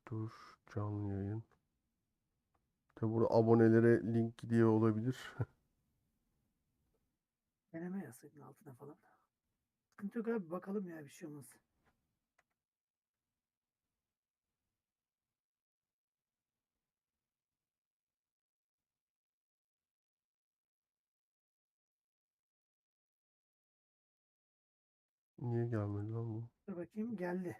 Dur. Canlı yayın. Tabi burada abonelere link gidiyor olabilir. Deneme yazsaydın altına falan. Sıkıntı yok abi, bakalım ya, bir şey olmaz. Niye gelmedi lan bu? Dur bakayım, geldi.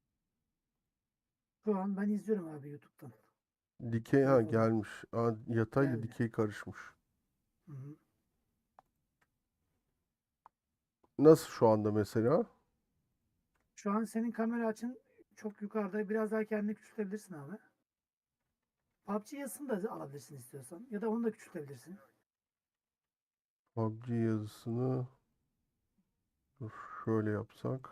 Şu an ben izliyorum abi YouTube'dan. Dikey ha Telefondan. gelmiş. Aa, yatayla Geldi. dikey karışmış. Hı hı. Nasıl şu anda mesela? Şu an senin kamera açın çok yukarıda. Biraz daha kendini küçültebilirsin abi. PUBG yazısını da alabilirsin istiyorsan. Ya da onu da küçültebilirsin. PUBG yazısını dur şöyle yapsak.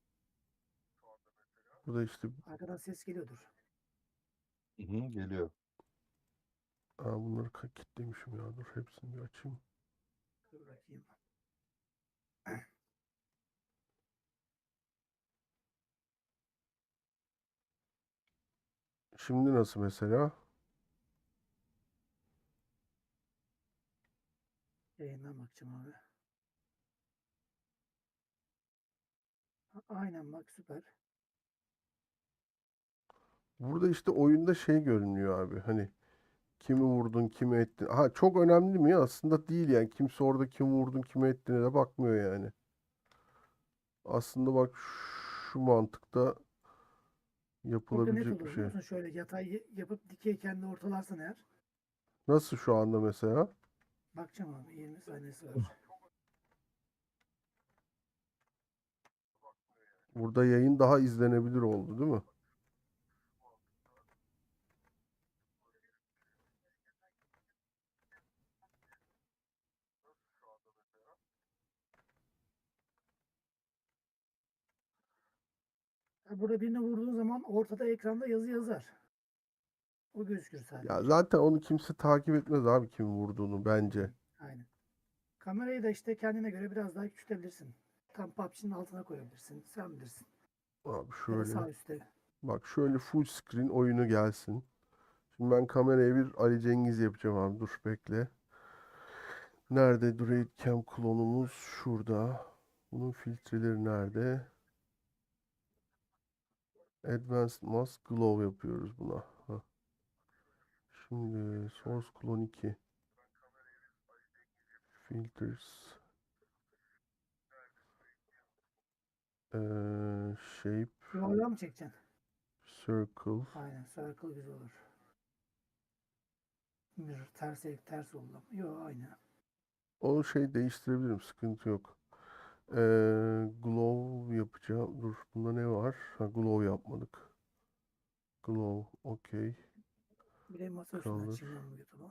Burada işte Arkadan ses geliyordur. Hı hı, geliyor. bunları kilitlemişim ya. Dur hepsini bir açayım. Dur bakayım. Şimdi nasıl mesela? Yayından bakacağım abi. Aynen bak, süper. Burada işte oyunda şey görünüyor abi. Hani kimi vurdun, kimi ettin. Ha çok önemli mi? Aslında değil yani. Kimse orada kimi vurdun, kimi ettiğine de bakmıyor yani. Aslında bak şu mantıkta Burada net yapılabilecek bir olur biliyor şey. musun? Şöyle yatay yapıp dikey kendi ortalarsan eğer. Nasıl şu anda mesela? Bakacağım abi, 20 saniyesi var. Burada yayın daha izlenebilir oldu değil mi? Burada birini vurduğun zaman ortada ekranda yazı yazar. O gözükür Ya sadece. zaten onu kimse takip etmez abi kim vurduğunu Hı, bence. aynen. Kamerayı da işte kendine göre biraz daha küçültebilirsin. Tam PUBG'nin altına koyabilirsin. Sen bilirsin. Abi Ya da şöyle sağ üstte. bak şöyle full screen oyunu gelsin. Şimdi ben kameraya bir Ali Cengiz yapacağım abi. Dur bekle. Nerede Raid Cam klonumuz? Şurada. Bunun filtreleri nerede? Advanced Mask Glow yapıyoruz buna. Hah. Şimdi Source Clone 2. Filters. Shape. Yuvarlağı mı çekeceksin? Circle. Aynen. Circle güzel olur. Mirror ters oldu. Yok, aynı. O şey değiştirebilirim. Sıkıntı yok. Glow yapacağım. Dur bunda ne var? Ha, glow yapmadık. Glow. Okey. Bir de masa üstüne Color. açayım ben bu YouTube'u.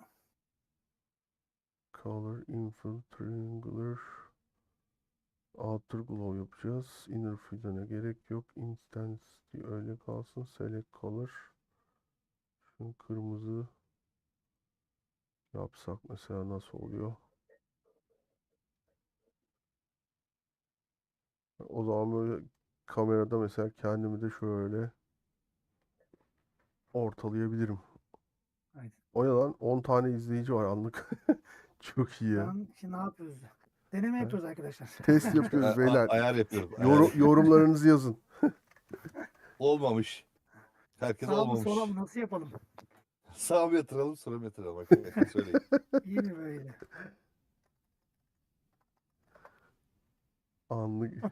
Color. Infill. Triangular. Outer glow yapacağız. Inner fill'e gerek yok. Intensity öyle kalsın. Select color. Şu kırmızı yapsak mesela nasıl oluyor? O zaman böyle kamerada mesela kendimi de şöyle ortalayabilirim. Aynen. O ne lan? 10 tane izleyici var anlık. Çok iyi Şu ya. an şimdi ne yapıyoruz? Deneme Ha? yapıyoruz arkadaşlar. Test İşte yapıyoruz beyler. ayar yapıyoruz. Ayar yapıyoruz. Yorumlarınızı yazın. Olmamış. Herkes Sağ mı sola olmamış. mı, nasıl yapalım? Sağa mı yatıralım, sola mı yatıralım arkadaşlar söyleyin. İyi mi böyle? Anlık.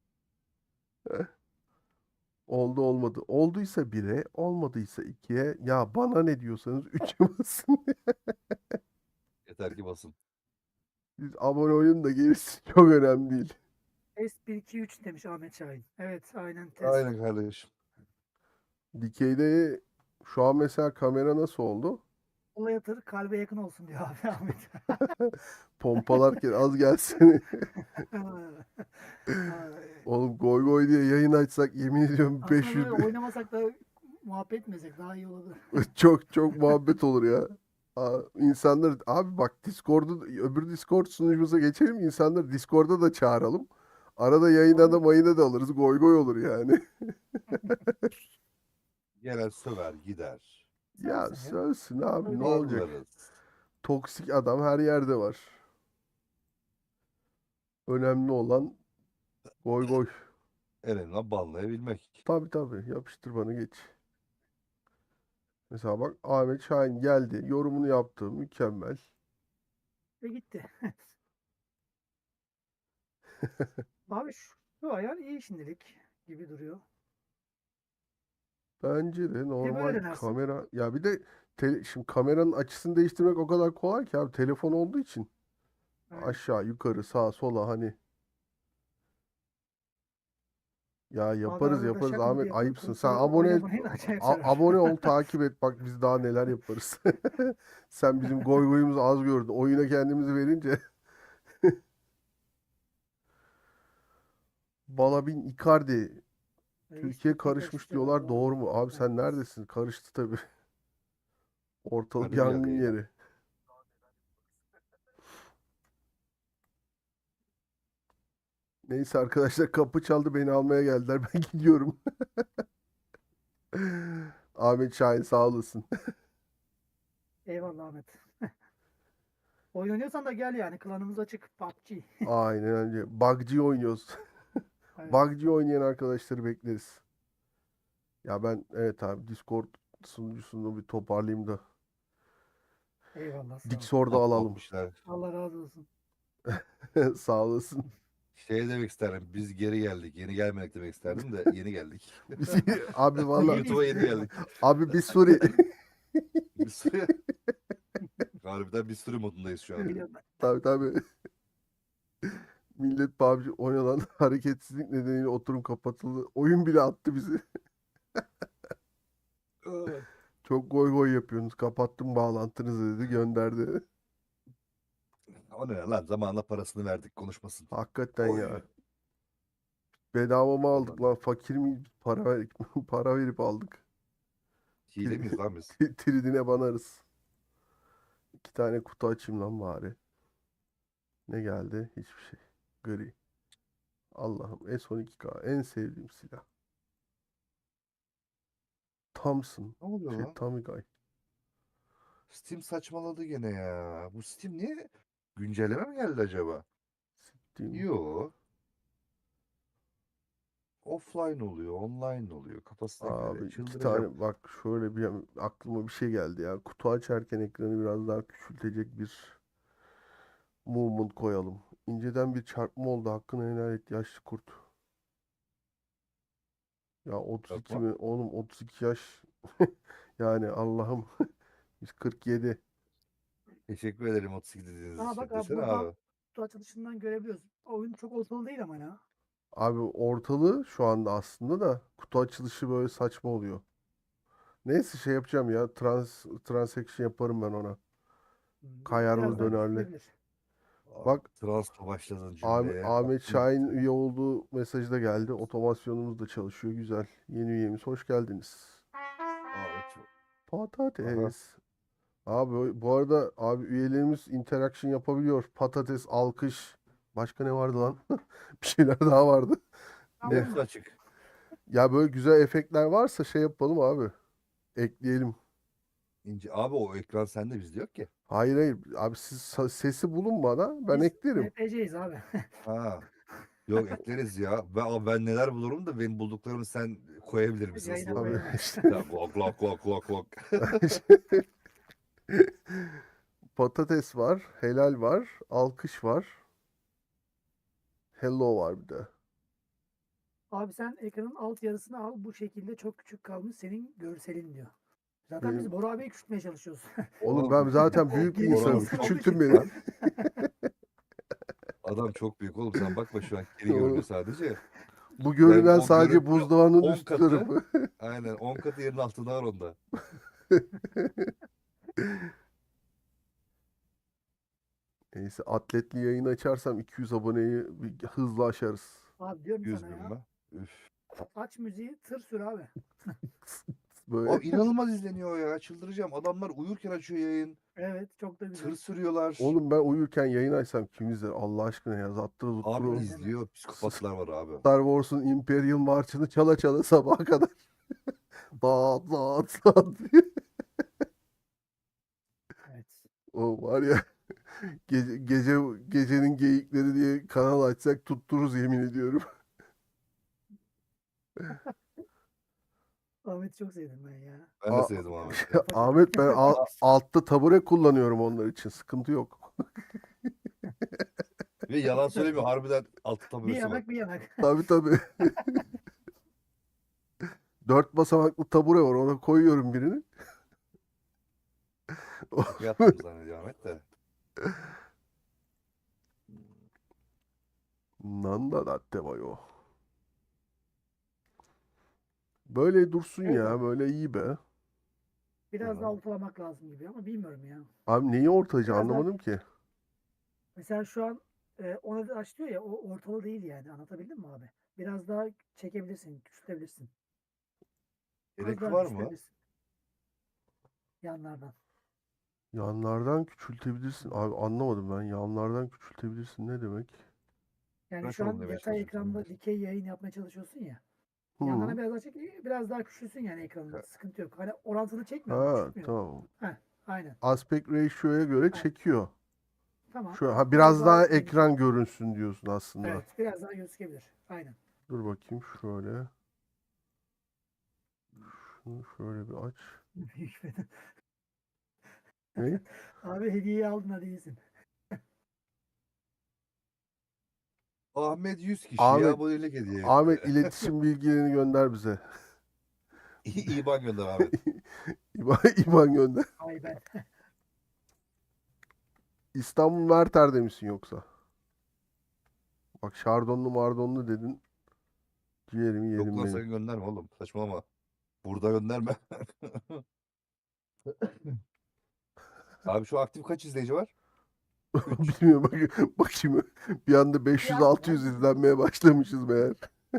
Oldu olmadı. Olduysa 1'e, olmadıysa 2'ye. Ya bana ne diyorsanız 3'e basın. Yeter ki basın. Siz abone olun da gerisi çok önemli değil. Test 1 2 3 demiş Ahmet Şahin. Evet, aynen test. Aynen kardeşim. Dikeyde şu an mesela kamera nasıl oldu? Sola yatır, kalbe yakın olsun diyor abi Ahmet. Pompalarken az gelsene. Ay. Oğlum goy goy diye yayın açsak yemin ediyorum Aslında 500 böyle oynamasak da muhabbet etmesek daha iyi olurdu. çok çok muhabbet olur ya. İnsanlar abi bak Discord'u öbür Discord sunucumuza geçelim. İnsanları Discord'a da çağıralım. Arada yayına da mayına da alırız. Goy goy olur yani. Gelen söver gider. Ya Sensin ya. sövsün abi, Öyle ne olacak? Anlarız. Toksik adam her yerde var. Önemli olan goy goy. En önemli banlayabilmek. Tabii tabii, yapıştır bana geç. Mesela bak, Ahmet Şahin geldi. Yorumunu yaptı. Mükemmel. Ve gitti. Abi şu ayar iyi şimdilik gibi duruyor. Bence de Bir de böyle normal denersin. kamera. Ya bir de şimdi kameranın açısını değiştirmek o kadar kolay ki abi, telefon olduğu için. Aynen. Aşağı, yukarı, sağa, sola hani. Ya Abi yaparız arada da yaparız şaka mı Ahmet, diye ayıpsın. Sen Ruslara oynamayın acayip sever. abone ol, takip et. Bak biz daha neler yaparız. Sen bizim goy goyumuzu az gördün. Oyuna kendimizi verince. Balabin Icardi. Reis Türkiye Türkiye karışmış karıştı galiba diyorlar. abi. Doğru mu? Abi sen Evet. neredesin? Karıştı tabii. Ortalık Hadi bir yangın yere. yeri. Neyse arkadaşlar, kapı çaldı, beni almaya geldiler. Ben gidiyorum. Ahmet Şahin sağ olasın. Eyvallah Ahmet. Oyun oynuyorsan da gel yani. Klanımız açık. PUBG. Aynen öyle. Buggy oynuyoruz. Evet. Buggy oynayan arkadaşları bekleriz. Ya ben, evet abi, Discord sunucusunu bir toparlayayım da Eyvallah sağ ol. Discord'u alalım. Patlatmışlar. Allah razı olsun. Sağ olasın. Şey demek isterim. Biz geri geldik. Yeni gelmedik demek isterdim de yeni geldik. Abi valla, YouTube'a Yeniyiz yeni biz. geldik. abi bir Suri. Bir sürü, harbiden bir sürü modundayız şu an. Biliyorum ben. Tabii tabii. Millet PUBG oynanan hareketsizlik nedeniyle oturum kapatıldı. Oyun bile attı bizi. Çok goy goy yapıyorsunuz. Kapattım bağlantınızı dedi, gönderdi. O ne lan? Zamanla parasını verdik konuşmasın. Hakikaten Oy. ya. Bedava mı aldık Vallahi. lan? Fakir miyiz? Para verip, para verip aldık. Hile miyiz lan biz? Tridine banarız. 2 tane kutu açayım lan bari. Ne geldi? Hiçbir şey. Gri. Allah'ım, S12K en sevdiğim silah. Thompson. Ne oluyor lan? Tommy Guy. Steam saçmaladı gene ya. Bu Steam niye güncelleme mi geldi acaba? Steam. Yo. Offline oluyor, online oluyor. Kafasına Abi göre. 2 tane, Çıldıracağım. bak şöyle bir aklıma bir şey geldi ya. Kutu açarken ekranı biraz daha küçültecek bir movement koyalım. İnceden bir çarpma oldu. Hakkını helal et yaşlı kurt. Ya 32 Yapma. mi? Oğlum 32 yaş. Yani Allah'ım. Biz 47. Teşekkür ederim 32 dediğiniz Aa için. bak abi Desene buradan abi. kutu açılışından görebiliyoruz. Oyun çok ortalı değil ama ya. Abi ortalığı şu anda aslında da kutu açılışı böyle saçma oluyor. Neyse şey yapacağım ya. Transaction yaparım ben ona. Biraz Kayarlı daha dönerli. küçülebilir. Abi, Bak, transla başladın cümleye. Ahmet Aklım Şahin gitti. üye olduğu mesajı da geldi. Otomasyonumuz da çalışıyor. Güzel. Yeni üyemiz. Hoş geldiniz. Abi çok... Aha. Patates. Abi bu arada abi, üyelerimiz interaction yapabiliyor. Patates, alkış. Başka ne vardı lan? Bir şeyler daha vardı. Ne? Hepsi açık. Ya böyle güzel efektler varsa şey yapalım abi. Ekleyelim. İnce. Abi o ekran sende bizde yok ki. Hayır hayır. Abi siz sesi bulun bana. Ben Biz eklerim. NPC'yiz abi. Ha. Yok ekleriz ya. Ben neler bulurum da benim bulduklarımı sen koyabilir misin Yayına hızlı? Abi koyalım. işte. Ya glok glok glok glok glok. Patates var. Helal var. Alkış var. Hello var bir de. Abi sen ekranın alt yarısını al. Bu şekilde çok küçük kalmış senin görselin diyor. Zaten biz Benim... Bora abiyi küçültmeye çalışıyoruz. Oğlum ben zaten büyük bir Geniş bir insanım. Oran insan olduğu Küçültün için. beni. lan. Adam çok büyük oğlum sen bakma şu an kiri görünüyor Oğlum, sadece. bu Yani görünen o sadece görüntü buzdağının 10 üst katı tarafı. aynen 10 katı yerin altında var onda. Neyse, atletli yayın açarsam 200 aboneyi hızlı aşarız. Abi diyorum 100 sana bin ya. mi? Üf. Aç müziği tır sür abi. Böyle. Abi inanılmaz izleniyor ya çıldıracağım. Adamlar uyurken açıyor yayın. Evet çok da güzel. Tır sürüyorlar. Oğlum ben uyurken yayın açsam kim izler? Allah aşkına ya. Zattırı Abi zuttur. Öyle deme. izliyor. Psikopatlar var abi. Star Wars'un Imperial March'ını çala çala sabaha kadar. dağıt dağıt dağıt diye. Evet. O var ya gecenin geyikleri diye kanal açsak tuttururuz yemin ediyorum. Ahmet'i çok sevdim ben ya. Ben de A- sevdim Ahmet'i. Kafa Ahmet ben Aa, altta tabure kullanıyorum onlar için. Sıkıntı yok. ve yalan söylemiyor. Harbiden altı Bir taburesi var. yanak bir yanak. Tabii tabii. 4 basamaklı tabure var. Ona koyuyorum birini. Şaka yaptım zannediyor Ahmet de. Nanda latte mayo. Böyle dursun Evet ya. abi. Böyle iyi be. Biraz daha Tamam. ortalamak lazım gibi ama bilmiyorum ya. Abi neyi ortacı Biraz daha anlamadım ki. mesela şu an ona da aç diyor ya o ortalı değil yani. Anlatabildim mi abi? Biraz daha çekebilirsin, küçültebilirsin. Az Gerek daha var mı? küçültebilirsin yanlardan. Yanlardan küçültebilirsin. Abi anlamadım ben. Yanlardan küçültebilirsin ne demek? Yani Kaç şu an oğlum demeye yatay çalışıyorsun? ekranda dikey yayın yapmaya çalışıyorsun ya. Hı. Yanlarına biraz daha çek, biraz daha küçülsün yani ekranın. Sıkıntı yok. Hani orantılı çekmiyor ama Ha küçültmüyor. tamam. Heh, aynen. Aspect ratio'ya göre Aynen. çekiyor. Tamam. Şu ha Biraz biraz daha daha geniş. ekran görünsün diyorsun aslında. Evet, biraz daha gözükebilir. Aynen. Dur bakayım şöyle. Şunu şöyle bir aç. Büyük beden. Ne? Abi hediyeyi aldın hadi iyisin. Ahmet 100 kişiye Ahmet abonelik hediye Ahmet etti. iletişim bilgilerini gönder bize. İban gönder Ahmet. İban gönder. Ay ben. İstanbul Merter'de misin yoksa? Bak şardonlu mardonlu dedin. Ciğerimi Yok yedim lan benim. sakın gönderme oğlum. Saçmalama. Burada gönderme. Abi şu aktif kaç izleyici var? 3. Bilmiyorum bakayım. Bir anda Yazdım 500-600 abi. izlenmeye başlamışız meğer.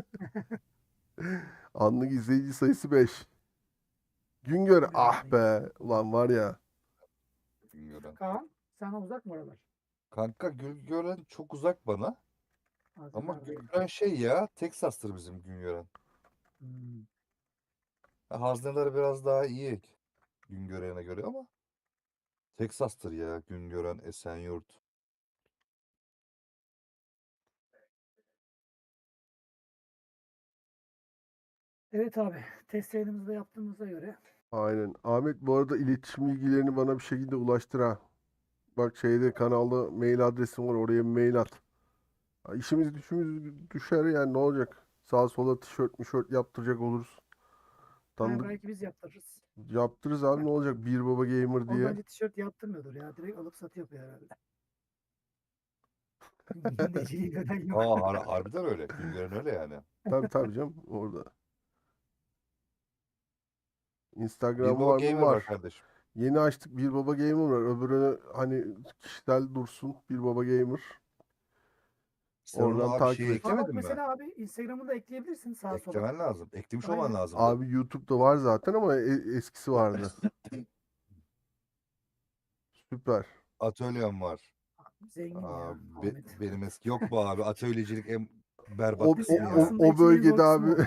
Anlık izleyici sayısı 5. Güngör ah be. Ulan var ya. Güngören. Kaan sana uzak mı oralar? Kanka Güngören çok uzak bana. Ama Hazırlardayım. Güngören şey ya. Texas'tır bizim Güngören. Hmm. Hazneler biraz daha iyi Güngören'e göre ama Texas'tır ya Güngören, Esenyurt. Evet abi. Test yayınımızı da yaptığımıza göre. Aynen. Ahmet bu arada iletişim bilgilerini bana bir şekilde ulaştır ha. Bak şeyde kanalda mail adresim var. Oraya bir mail at. Ha, İşimiz düşümüz düşer yani ne olacak? Sağa sola tişört mişört yaptıracak oluruz. Ha, Tanıdık belki biz yaptırırız. yaptırırız abi ne olacak? Bir Baba Gamer O diye. bence tişört yaptırmıyordur ya. Direkt alıp satıyor yapıyor herhalde. Deciliği gören yok. Aa harbiden öyle. Güngören öyle yani. Tabii tabii canım orada. Bir Instagram baba var mı? gamer var Var. kardeşim. Yeni açtık Bir Baba Gamer var. Öbürüne hani kişisel dursun. Bir Baba Gamer. Sen onu Oradan abi takip şeye et. Aa bak eklemedin mi? mesela abi Instagram'ını da ekleyebilirsin sağa sola. Eklemen lazım. Eklemiş olman Aynen. lazımdı. Abi YouTube'da var zaten ama eskisi vardı. Süper. Atölyem var. Zengin Aa, ya Ahmet. benim eski yok mu abi? Atölyecilik en berbat O, o, kısmı ya. Aslında o için en zor bölgede kısmı abi o.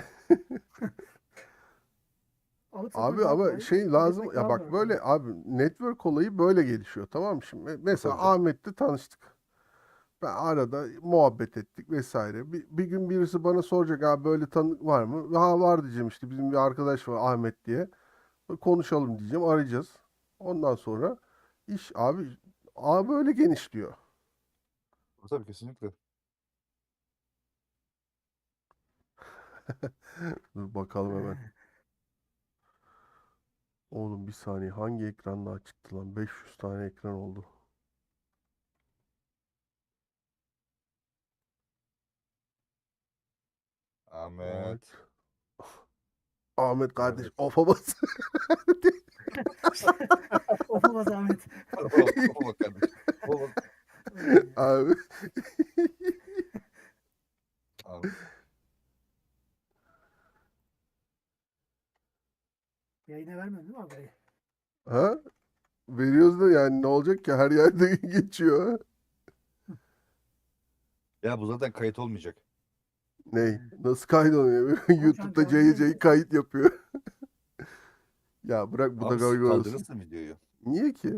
Alıp satmak abi daha ama kolay. şey lazım Üretmek ya daha bak zor ama. böyle abi network olayı böyle gelişiyor tamam mı? Şimdi mesela Tabii canım. Ahmet'le tanıştık. Ben arada muhabbet ettik vesaire. Bir gün birisi bana soracak abi böyle tanıdık var mı? Ha var diyeceğim işte bizim bir arkadaş var Ahmet diye. Konuşalım diyeceğim arayacağız. Ondan sonra iş abi öyle genişliyor. Tabii kesinlikle. Dur bakalım hemen. Oğlum bir saniye hangi ekran daha çıktı lan? 500 tane ekran oldu. Ahmet. Ahmet. Ahmet kardeş Ahmet. ofa bas. Olmaz Ahmet. Baba kardeşim. Baba. Abi. Ahmet. Yayına vermiyorsun değil mi abi? Ha? Veriyoruz da yani ne olacak ki her yerde geçiyor. Ya bu zaten kayıt olmayacak. Ney? Nasıl kaydoluyor? Oğlum şu an YouTube'da canlı CC yayındasın. kayıt yapıyor. Ya bırak bu da Abi siz goy olsun. kaldırırsın videoyu. Niye ki?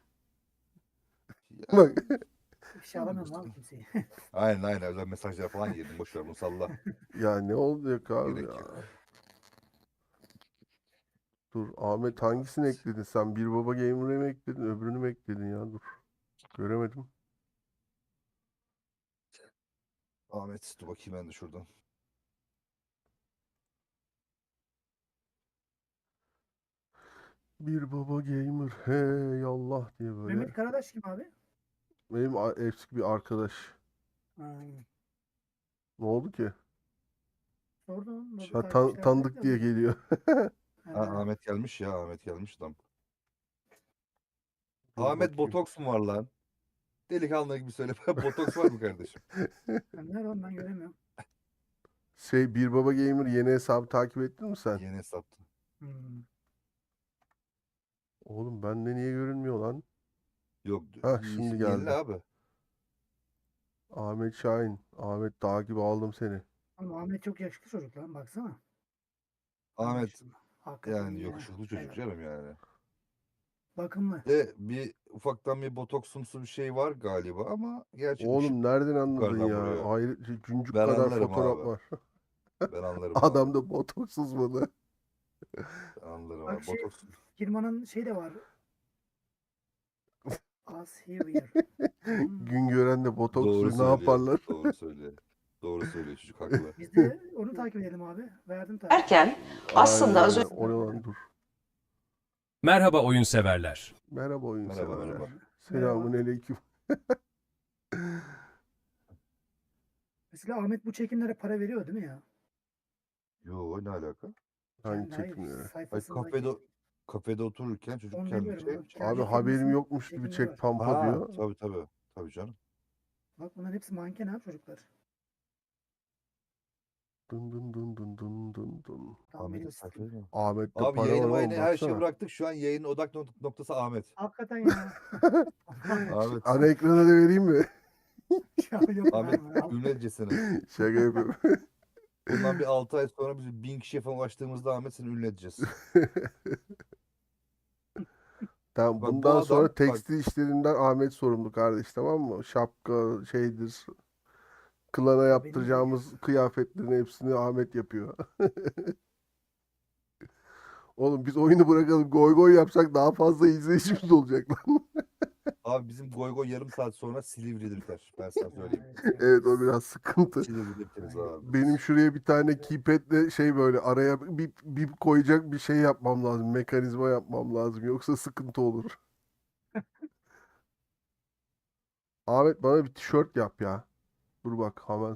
Ya, Bak. Bir şey alamıyorum abi kimseyi. aynen özel mesajlar falan yedim. Boş ver bunu salla. Ya ne olacak abi Gerek ya? yok. Dur Ahmet hangisini ekledin sen? Bir Baba Gamer'ı mı ekledin? Öbürünü mü ekledin ya? Dur. Göremedim. Ahmet dur bakayım ben de şuradan. Bir Baba Gamer hey Allah diye böyle. Mehmet Karadaş kim abi? Benim eski bir arkadaş. Ha, Ne oldu ki? sordum. Nasıl Şey, Ha, takipçiler var tanıdık da diye dedim. geliyor. Ha, Ahmet gelmiş ya. Ahmet gelmiş adam. Dur Ahmet bakayım. botoks mu var lan? Delikanlı gibi söyle. Botoks var mı kardeşim? nerede oğlum ben göremiyorum. Bir Baba Gamer yeni hesabı takip ettin mi sen? Yeni hesaptı. Hmm. Oğlum bende niye görünmüyor lan? Yok Ha şimdi yenile geldi. abi. Ahmet Şahin. Ahmet dağ gibi aldım seni. Ama Ahmet çok yakışıklı çocuk lan baksana. Ahmet Maşallah. Hakikaten yani ya. yakışıklı çocuk Evet. canım yani. Bakımlı. De bir ufaktan bir botoksumsu bir şey var galiba ama gerçi ışık Oğlum nereden anladın yukarıdan ya? vuruyor. Ayrı güncük Ben kadar anlarım fotoğraf abi. var. Ben anlarım abi. Adamda botoksuz mu? Ben anlarım Bak abi. şey Botoks. firmanın şey de var. Us here. Hmm. Gün gören de Doğru botoksuz ne söylüyor. yaparlar? Doğru söylüyor. Doğru söylüyor çocuk haklı. Biz de onu takip edelim abi. Verdim takip. Derken Aynen aslında az öyle. önce O ne lan dur. Merhaba oyun severler. Merhaba oyun Merhaba, severler. merhaba. Selamun aleyküm. Mesela Ahmet bu çekimlere para veriyor değil mi ya? Yo ne alaka? Hangi Kendi hayır çekimleri? Ay sayfasındaki. kafede otururken çocuk Onu kendi demiyorum şey. abi. Abi Kendi haberim firmasının yokmuş gibi çekimleri çek var. pampa Ha diyor. tabii. Tabii canım. Bak bunların hepsi manken abi çocuklar. Dın dın dın dın dın dın dın. Tam Ahmet'in veriyor sayfayı Steam. mı? Ahmet'te Abi para var yayını oğlum mayını her şeyi baksana. bıraktık. Şu an yayının odak noktası Ahmet. Hakikaten ya. Ahmet. Ana ekrana da vereyim mi? Ya yok Ahmet verme. Al. ünletcesine. Şaka yapıyorum. Bundan bir 6 ay sonra biz 1000 kişiye falan ulaştığımızda Ahmet seni ünlü edeceğiz. Tamam Bak bu bundan adam sonra tekstil işlerinden Ahmet sorumlu kardeş tamam mı? Şapka şeydir. Klana Benim yaptıracağımız kıyafetlerin hepsini Ahmet yapıyor. Oğlum biz oyunu bırakalım goy goy yapsak daha fazla izleyicimiz olacak lan. abi bizim goy goy yarım saat sonra Silivri'de biter. Ben sana ya, söyleyeyim. Evet o biraz sıkıntı. Silivri'de biteriz Aynen. abi. Benim şuraya bir tane keypad'le şey böyle araya bir koyacak bir şey yapmam lazım. Mekanizma yapmam lazım. Yoksa sıkıntı olur. Ahmet bana bir tişört yap ya. Dur bak hemen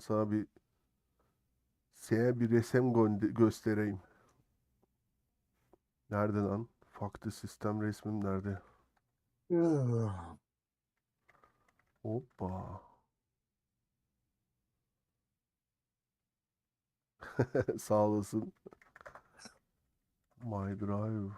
sana bir resim göstereyim. Nerede lan? Farklı sistem resmim nerede? Hoppa. Sağ olasın. My Drive.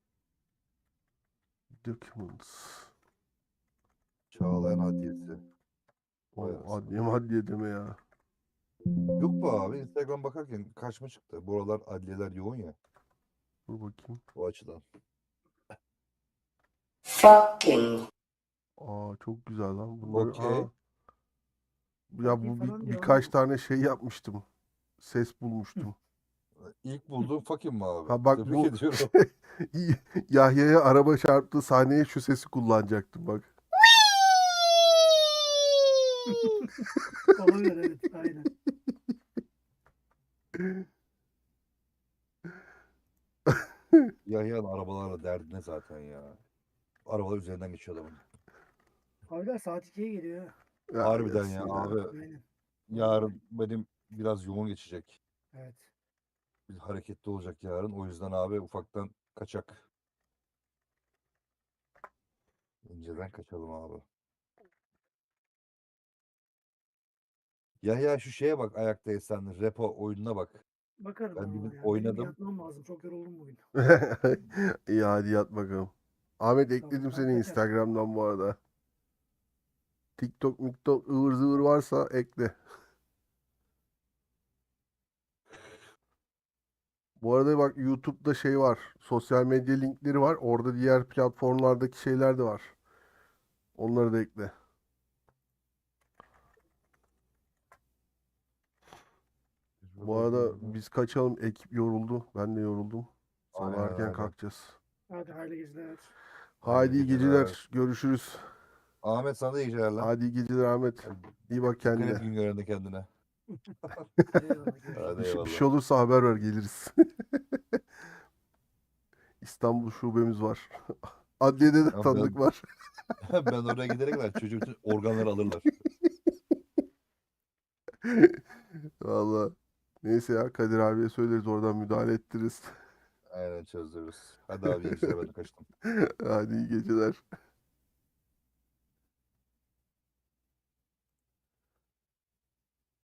Documents. Çağlayan Adliyesi. Vay O anasını. adliye deme ya. Yok bu abi. Instagram bakarken karşıma çıktı. Bu aralar adliyeler yoğun ya. Dur bakayım. O açıdan. fucking Aa çok güzel lan. Bunları Okey. ya Fucking bu falan diyor birkaç ama. tane şey yapmıştım. Ses bulmuştum. İlk bulduğum fucking mi abi? Ha bak Tebrik bu ediyorum. Yahya'ya araba çarptığı sahneye şu sesi kullanacaktım bak. Olabilir evet. Aynen. Yahya'nın arabalarla derdi ne zaten ya. Arabalar üzerinden geçiyor adamın. Abiler saat 2'ye geliyor. Ya Harbiden gelsin ya ya. abi. Aynen. Yarın benim biraz yoğun geçecek. Evet. Bir hareketli olacak yarın. O yüzden abi ufaktan kaçak. İnceden kaçalım abi. Yahya şu şeye bak ayakta esenli repo oyununa bak. Bakarım Ben ama bir gün ya. Benim oynadım. yatmam lazım. Çok yoruldum bugün. İyi hadi yat bakalım. Ahmet Tamam, ekledim ben seni kaçar. Instagram'dan bu arada. TikTok, miktok ıvır zıvır varsa ekle. Bu arada bak YouTube'da şey var. Sosyal medya linkleri var. Orada diğer platformlardaki şeyler de var. Onları da ekle. Bu arada biz kaçalım. Ekip yoruldu. Ben de yoruldum. Sabah Aynen erken öyle. kalkacağız. Hadi hayırlı geceler. Haydi iyi geceler. geceler. Görüşürüz. Ahmet sana da iyi geceler lan. Hadi iyi geceler Ahmet. İyi bak Dikkat et kendine. gün görende kendine. Eyvallah. Görüşürüz. Hadi Bir eyvallah. şey olursa haber ver geliriz. İstanbul şubemiz var. Adliyede de Tamam, tanıdık var. ben oraya gidene kadar çocuğun bütün organları alırlar. Valla. Neyse ya Kadir abiye söyleriz oradan müdahale ettiririz. Aynen çözürüz. Hadi abi iyi geceler ben de kaçtım. Hadi iyi geceler.